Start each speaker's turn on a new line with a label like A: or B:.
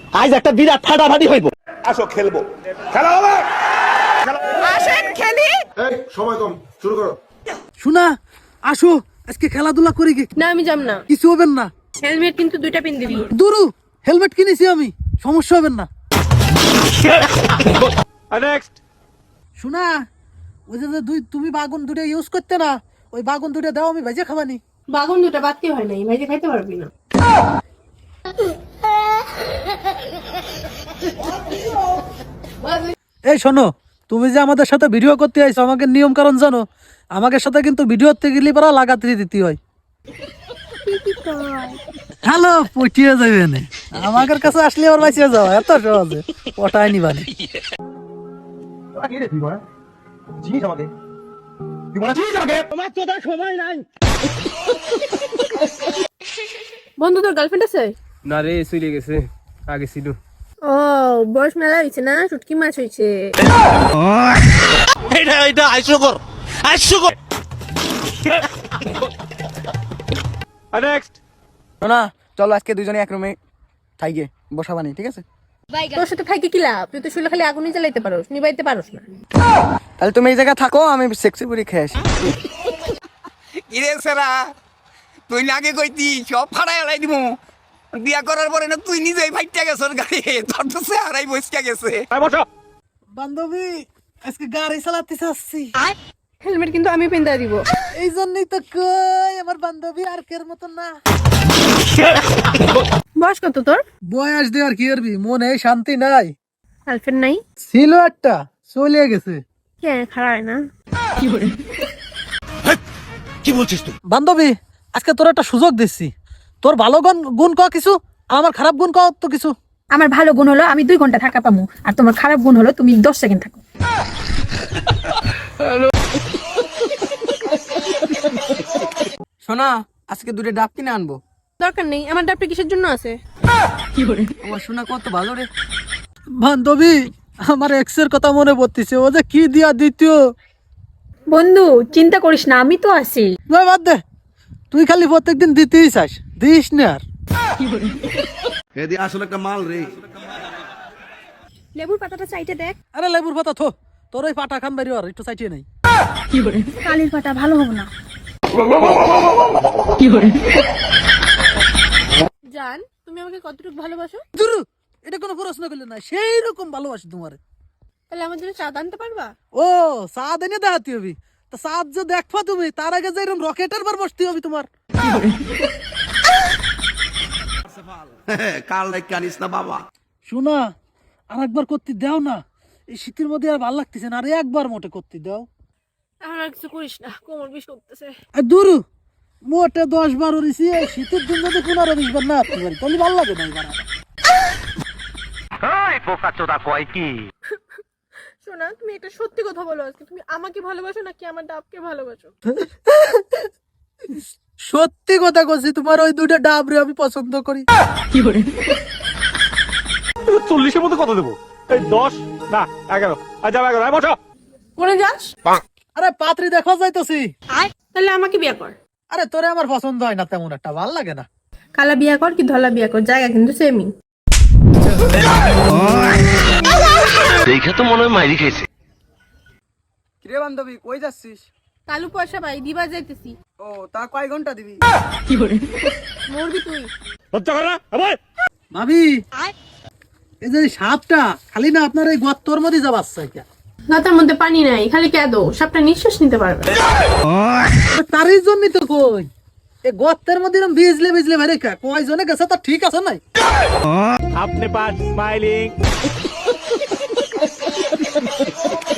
A: আজ একটা বিরাট ফাটাফাটি হইব।
B: আসো খেলবো, খেলা হবে।
C: আসেন খেলি।
D: এই সময় কম, শুরু করো।
E: শোনা আসো আজকে খেলাধুলা করি গে।
C: না আমি যাম না,
E: কিছু হবেন না।
C: হেলমেট কিন্তু দুইটা পিন দিবি।
E: দুরু হেলমেট কিনেছি আমি, সমস্যা হবেন না।
A: নেক্সট
E: শোনা ওই যে তুমি বাগুন দুটো ইউজ করতে না, ওই বাগুন দুটো দাও, আমি ভেজে খাবানি।
C: বাগুন দুটা বাদতে হয় নাই, ভাইজে খাইতে পারবি না।
E: এই শোনো, তুমি যে আমাদের সাথে ভিডিও করতে আইছো, আমাকে নিয়ম কারণ জানো? আমাকে সাথে কিন্তু ভিডিও করতে গেলে পারা লাগাতে দিতে হয়। হ্যালো পটিয়ে যাবে না, আমাদের কাছে আসলে আর বাঁচিয়ে যাও, এত সহজে পটায় নিবানি।
C: বন্ধু তোর গার্লফ্রেন্ড আছে?
F: না রে, চলে গেছে, আগে ছিল।
C: ও বয়স মেলা হয়েছে না, শুটকি মাছ হয়েছে।
A: এটা হাস্যকর, হাস্যকর। নেক্সট
F: শোনা চলো আজকে দুজনে এক রুমে থাইগে বসাবানি, ঠিক আছে?
C: তোর সাথে থাকি কি লাভ? তুই তো শুলে খালি আগুনই জ্বালাইতে পারোস, নিবাইতে পারোস না।
F: তাহলে তুমি এই জায়গায় থাকো, আমি সেক্সি পুরি খেয়ে আসি।
G: কিরে সেরা, তুই না আগে কইতি সব ফাড়াই এলাই দিব। বিয়া করার পরে না তুই নিজেই ফাইটটা গেছর গাড়ি, তোর তো সে হারাই বসকা গেছে।
A: বসো।
E: বান্ধবী আজকে গাড়ি চালাতে চাচ্ছি,
C: হেলমেট কিন্তু আমি পিন দিব।
E: এই জন্যই তো কই আমার বান্ধবী আর কের মতো না।
C: বয়স কত তোর?
E: বয়স দিয়ে আর কি করবি, মনে শান্তি নাই।
C: গার্লফ্রেন্ড নাই?
E: ছিল একটা, চলে গেছে।
C: কে খারাপ হয় না?
A: কি বলছিস তুই?
E: বান্ধবী আজকে তোর একটা সুযোগ দিচ্ছি, তোর ভালো গুণ ক কিছু, আমার খারাপ গুণ ক তো কিছু।
H: আমার ভালো গুণ হলো আমি 2 ঘন্টা থাকা পামু, আর তোমার খারাপ গুণ হলো তুমি 10 সেকেন্ড থাকো।
F: শোনা আজকে দুটো ডাব কিনে আনবো।
C: দরকার নেই, আমার ডাবটা কিসের জন্য আছে?
F: আমার শোনা কত ভালো রে।
E: বান্ধবী আমার এক্স এর কথা মনে পড়তেছে, ও যে কি দিয়া দ্বিতীয়।
H: বন্ধু চিন্তা করিস না, আমি তো আছি।
E: না বাদ দে, তুই খালি প্রত্যেকদিন দিতেই চাস, দিস না আর।
D: এদি আসলে একটা মাল রে।
C: লেবুর পাতাটা চাইতে দেখ।
E: আরে লেবুর পাতা থো, তোর ওই পাটা খান বাড়ি আর একটু চাইটিয়ে নাই।
H: কালির পাতা ভালো হবে না।
C: জান তুমি আমাকে কতটুকু ভালোবাসো?
E: দুরু এটা কোনো প্রশ্ন করলে না, সেই রকম ভালোবাসি তোমার।
C: তাহলে আমার জন্য চা আনতে পারবা?
E: ও সাদ এনে দেখাতে হবে, তা সাদ যে দেখবা তুমি, তার আগে যে এরকম রকেটের বার বসতে হবে তোমার।
D: কাল রেখে আনিস না বাবা।
E: শোনা আর একবার করতে দাও না, এই শীতের মধ্যে আর ভালো লাগতেছে না, আর একবার মোটে করতে দাও।
C: এখন আর কিছু করিস না, কোমর বিষ করতেছে।
E: আর দুরু মোটে 10-12 রিসি, এই শীতের দিন যদি 15-20 বার না আসতে পারি তাহলে ভালো লাগে না। এবার
C: শোনা তুমি একটা সত্যি কথা বলো, আজকে তুমি আমাকে ভালোবাসো নাকি আমার ডাবকে ভালোবাসো?
E: সত্যি কথা বলছি, তোমার ওই দুটো ডাবরে আমি পছন্দ করি।
A: 40-এর মধ্যে কত দেবো? এই 10 না 11। আর যাও 11। বসো।
C: কোনে যাস?
E: আরে পাত্রী দেখা যাইতেছি।
C: তাহলে আমাকে বিয়ে কর।
E: আরে তোরে আমার পছন্দ হয় না তেমন একটা, ভাল লাগে না।
C: কালা বিয়ে কর কি ধলা বিয়ে কর, জায়গা কিন্তু সেমই।
A: দেখে তো মনে হয় মাইরি খাইছে।
F: কিরে বান্ধবী কই যাচ্ছিস?
C: কালু পয়সা পাই দিবা যাইতেছি।
F: ও তা কয় ঘন্টা দিবি?
C: মরবি তুই।
A: লজ্জা করে না আবার?
E: ভাবি এই যে সাপটা খালি না আপনার এই গর্তর মধ্যে যাবাচ্ছে কে?
C: গাতার মধ্যে পানি নাই, খালি কেদো, সাপটা নিঃশ্বাস নিতে পারবে।
E: তারই জন্যই তো কই, এই গর্তের মধ্যে এরকম ভিজলে ভিজলে ভাই রেখা কয়জনে গেছে তা ঠিক আছে নাই?
A: আপনি পাস স্মাইলিং।